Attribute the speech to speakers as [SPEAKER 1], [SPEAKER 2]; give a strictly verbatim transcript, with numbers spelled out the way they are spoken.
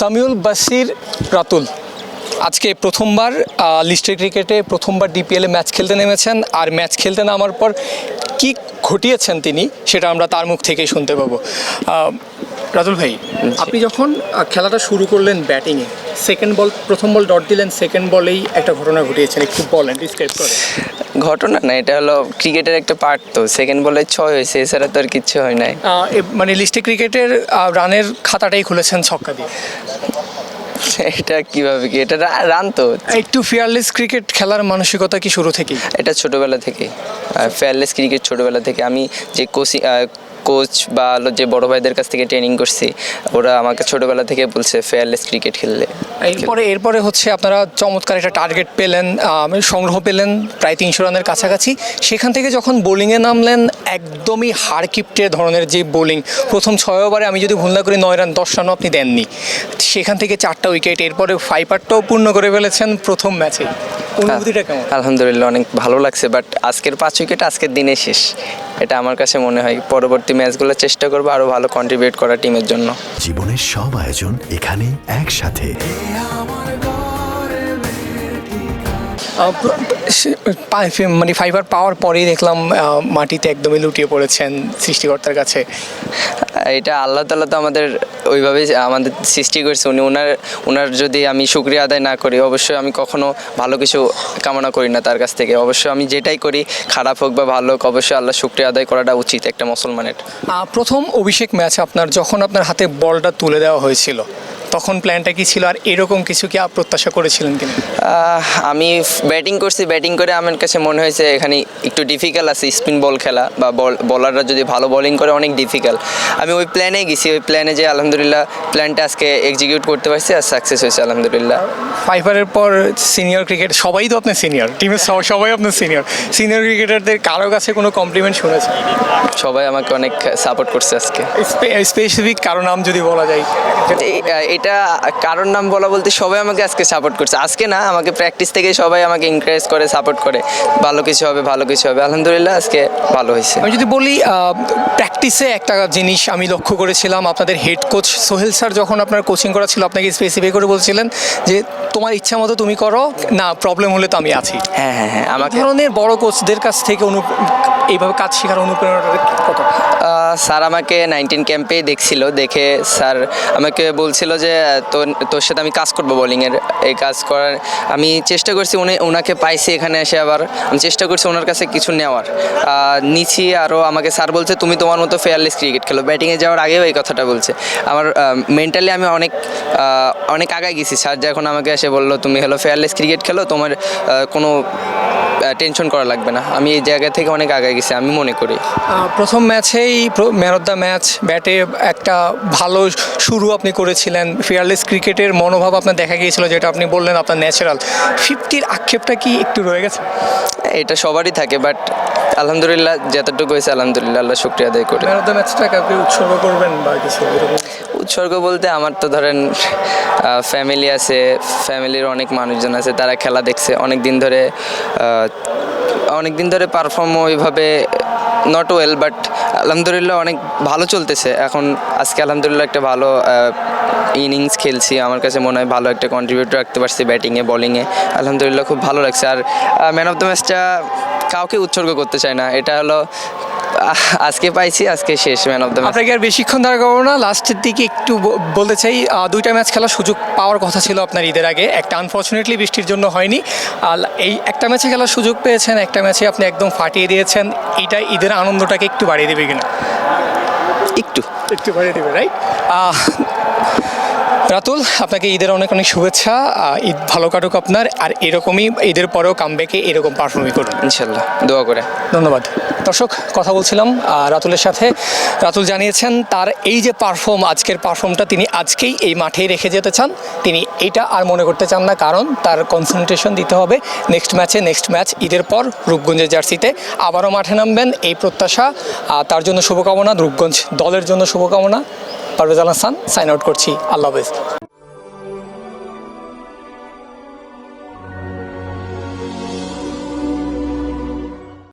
[SPEAKER 1] সামিউল বাশির রাতুল আজকে প্রথমবার লিস্টের ক্রিকেটে প্রথমবার ডিপিএলে ম্যাচ খেলতে নেমেছেন, আর ম্যাচ খেলতে নামার পর কি ঘটিয়েছেন তিনি সেটা আমরা তার মুখ থেকেই শুনতে পাবো। রাতুল ভাই, আপনি যখন খেলাটা শুরু করলেন ব্যাটিংয়ে, সেকেন্ড বল প্রথম বল ডট দিলেন, সেকেন্ড বলেই একটা ঘটনা ঘটিয়েছেন, একটু বলেন, ডিসক্রাইব করেন।
[SPEAKER 2] ঘটনা না, এটা হলো ক্রিকেটের একটা পার্ট। তো সেকেন্ড বলে ছয় হয়েছে, এছাড়া তো আর কিচ্ছু হয় নাই।
[SPEAKER 1] মানে লিস্টে ক্রিকেটের রানের খাতাটাই খুলেছেন ছক্কা দিয়ে।
[SPEAKER 2] এটা কিভাবে কি, এটা রান তো।
[SPEAKER 1] একটু ফিয়ারলেস ক্রিকেট খেলার মানসিকতা কি শুরু থেকেই?
[SPEAKER 2] এটা ছোটোবেলা থেকে ফেয়ারলেস ক্রিকেট, ছোটোবেলা থেকে আমি যে কোচিং কোচ বা যে বড় ভাইদের কাছ থেকে ট্রেনিং করছি, ওরা আমাকে ছোটোবেলা থেকে বলছে ফেয়ারলেস ক্রিকেট খেললে।
[SPEAKER 1] এরপরে এরপরে হচ্ছে আপনারা চমৎকার একটা টার্গেট পেলেন, সংগ্রহ পেলেন প্রায় তিনশো রানের কাছাকাছি। সেখান থেকে যখন বোলিংয়ে নামলেন, একদমই হাড়কিপ্টে ধরনের যে বোলিং, প্রথম ছয় ওভারে আমি যদি ভুল না করি নয় রান দশ রানও আপনি দেননি, সেখান থেকে চারটা উইকেট, এরপরে ফাইপারটাও পূর্ণ করে ফেলেছেন প্রথম ম্যাচে। অনুভূতিটা কেমন?
[SPEAKER 2] আলহামদুলিল্লাহ, অনেক ভালো লাগছে। বাট আজকের পাঁচ উইকেট আজকের দিনে শেষ, এটা আমার কাছে মনে হয়। পরবর্তী ম্যাচগুলো চেষ্টা করবো আরও ভালো কন্ট্রিবিউট করা টিমের জন্য।
[SPEAKER 3] জীবনের সব আয়োজন এখানে একসাথে।
[SPEAKER 1] মানে ফাইবার পাওয়ার পরেই দেখলাম মাটিতে একদমই লুটিয়ে পড়েছেন সৃষ্টিকর্তার কাছে।
[SPEAKER 2] এটা আল্লাহ তাআলা তো আমাদের ওইভাবেই আমাদের সৃষ্টি করেছে। উনি ওনার ওনার যদি আমি শুকরিয়া আদায় না করি, অবশ্যই আমি কখনো ভালো কিছু কামনা করি না তার কাছ থেকে। অবশ্যই আমি যেটাই করি, খারাপ হোক বা ভালো হোক, অবশ্যই আল্লাহ শুকরিয়া আদায় করাটা উচিত একটা মুসলমানের।
[SPEAKER 1] প্রথম অভিষেক ম্যাচ আপনার, যখন আপনার হাতে বলটা তুলে দেওয়া হয়েছিল, তখন প্ল্যানটা কি ছিল, আর এরকম কিছু কি প্রত্যাশা করেছিলেন কিনা?
[SPEAKER 2] আমি ব্যাটিং করছি, ব্যাটিং করে আমার কাছে মনে হয়েছে এখানে একটু ডিফিকাল্ট আছে স্পিন বল খেলা, বা বল বলাররা যদি ভালো বোলিং করে অনেক ডিফিকাল্ট। আমি ওই প্ল্যানে গেছি, ওই প্ল্যানে যে আলহামদুলিল্লাহ প্ল্যানটা আজকে এক্সিকিউট করতে পারছি আর সাকসেস হয়েছে আলহামদুলিল্লাহ।
[SPEAKER 1] ফাইবারের পর সিনিয়র ক্রিকেট, সবাই তো আপনার সিনিয়র, টিমের সবাই আপনার সিনিয়র সিনিয়র ক্রিকেটারদের কারো কাছে কোনো কমপ্লিমেন্ট শুনেছেন?
[SPEAKER 2] সবাই আমাকে অনেক সাপোর্ট করছে আজকে।
[SPEAKER 1] স্পেসিফিক কারো নাম যদি বলা যায়?
[SPEAKER 2] এটা কারোর নাম বলা বলতে সবাই আমাকে আজকে সাপোর্ট করছে। আজকে না, আমাকে প্র্যাকটিস থেকে সবাই আমাকে এনকারেজ করে, সাপোর্ট করে, ভালো কিছু হবে ভালো কিছু হবে। আলহামদুলিল্লাহ আজকে ভালো হয়েছে।
[SPEAKER 1] আমি যদি বলি প্র্যাকটিসে একটা জিনিস আমি লক্ষ্য করেছিলাম, আপনাদের হেড কোচ সোহেল স্যার যখন আপনার কোচিং করা ছিল, আপনাকে স্পেসিফাই করে বলছিলেন যে তোমার ইচ্ছা মতো তুমি করো, না প্রবলেম হলে তো আমি আছি।
[SPEAKER 2] হ্যাঁ হ্যাঁ হ্যাঁ আমাকে
[SPEAKER 1] ধরনের বড় কোচদের কাছ থেকে অনু এইভাবে কাজ শেখার অনুপ্রেরণাটা কত?
[SPEAKER 2] স্যার আমাকে নাইনটিন ক্যাম্পে দেখছিল, দেখে স্যার আমাকে বলছিল যে তোর তোর সাথে আমি কাজ করবো বোলিংয়ের। এই কাজ করার আমি চেষ্টা করছি, উনি ওনাকে পাইছি এখানে এসে, আবার আমি চেষ্টা করছি ওনার কাছে কিছু নেওয়ার, নিচ্ছি। আরও আমাকে স্যার বলছে তুমি তোমার মতো ফেয়ারলেস ক্রিকেট খেলো। ব্যাটিংয়ে যাওয়ার আগেও এই কথাটা বলছে। আমার মেন্টালি আমি অনেক অনেক আগায় গেছি। স্যার যখন আমাকে এসে বললো তুমি হলো ফেয়ারলেস ক্রিকেট খেলো, তোমার কোনো টেনশন করা লাগবে না, আমি এই জায়গা থেকে অনেক আগায় গেছি আমি মনে করি।
[SPEAKER 1] প্রথম ম্যাচেই ম্যান অফ দ্য ম্যাচ, ব্যাটে একটা ভালো শুরু আপনি করেছিলেন, ফিয়ারলেস ক্রিকেটের মনোভাব আপনার দেখা গিয়েছিল, যেটা আপনি বললেন আপনার ন্যাচারাল। ফিফটির আক্ষেপটা কি একটু রয়ে গেছে?
[SPEAKER 2] এটা সবারই থাকে, বাট আলহামদুলিল্লাহ যতটুকু হয়েছে আলহামদুলিল্লাহ আল্লাহ শুকরিয়া আদায় করি।
[SPEAKER 1] ম্যান অফ দ্য ম্যাচটা কাউকে উৎসর্গ করবেন বা কিছু?
[SPEAKER 2] উৎসর্গ বলতে আমার তো ধরেন ফ্যামিলি আছে, ফ্যামিলির অনেক মানুষজন আছে, তারা খেলা দেখছে অনেক দিন ধরে, অনেক দিন ধরে পারফর্ম ওইভাবে নট ওয়েল, বাট আলহামদুলিল্লাহ অনেক ভালো চলতেছে এখন। আজকে আলহামদুলিল্লাহ একটা ভালো ইনিংস খেলছি, আমার কাছে মনে হয় ভালো একটা কন্ট্রিবিউট রাখতে পারছি ব্যাটিংয়ে বোলিংয়ে, আলহামদুলিল্লাহ খুব ভালো লাগছে। আর ম্যান অফ দ্য ম্যাচটা কাউকে উৎসর্গ করতে চায় না, এটা হলো আজকে পাইছি, আজকে শেষ ম্যান অফ দ্য ম্যাচ।
[SPEAKER 1] আপনাকে আর বেশিক্ষণ দাঁড় করবো না, লাস্টের দিকে একটু বলতে চাই, দুইটা ম্যাচ খেলার সুযোগ পাওয়ার কথা ছিল আপনার ঈদের আগে, একটা আনফর্চুনেটলি বৃষ্টির জন্য হয়নি। আর এই একটা ম্যাচে খেলার সুযোগ পেয়েছেন, একটা ম্যাচে আপনি একদম ফাটিয়ে দিয়েছেন, এইটা ঈদের আনন্দটাকে একটু বাড়িয়ে দেবে কিনা?
[SPEAKER 2] একটু
[SPEAKER 1] একটু বাড়িয়ে দেবে, রাইট? রাতুল, আপনাকে ঈদের অনেক অনেক শুভেচ্ছা, ঈদ ভালো কাটুক আপনার, আর এরকমই ঈদের পরেও কামব্যাকে এরকম পারফর্মই করুন
[SPEAKER 2] ইনশাল্লাহ, দোয়া করে।
[SPEAKER 1] ধন্যবাদ। দর্শক, কথা বলছিলাম রাতুলের সাথে। রাতুল জানিয়েছেন তার এই যে পারফর্ম, আজকের পারফর্মটা তিনি আজকেই এই মাঠেই রেখে যেতে চান, তিনি এটা আর মনে করতে চান না, কারণ তার কনসেন্ট্রেশন দিতে হবে নেক্সট ম্যাচে। নেক্সট ম্যাচ ঈদের পর রূপগঞ্জের জার্সিতে আবারও মাঠে নামবেন, এই প্রত্যাশা। তার জন্য শুভকামনা, রূপগঞ্জ দলের জন্য শুভকামনা। পারভেজ আল হাসান সাইন আউট করছি, আল্লাহ হাফেজ।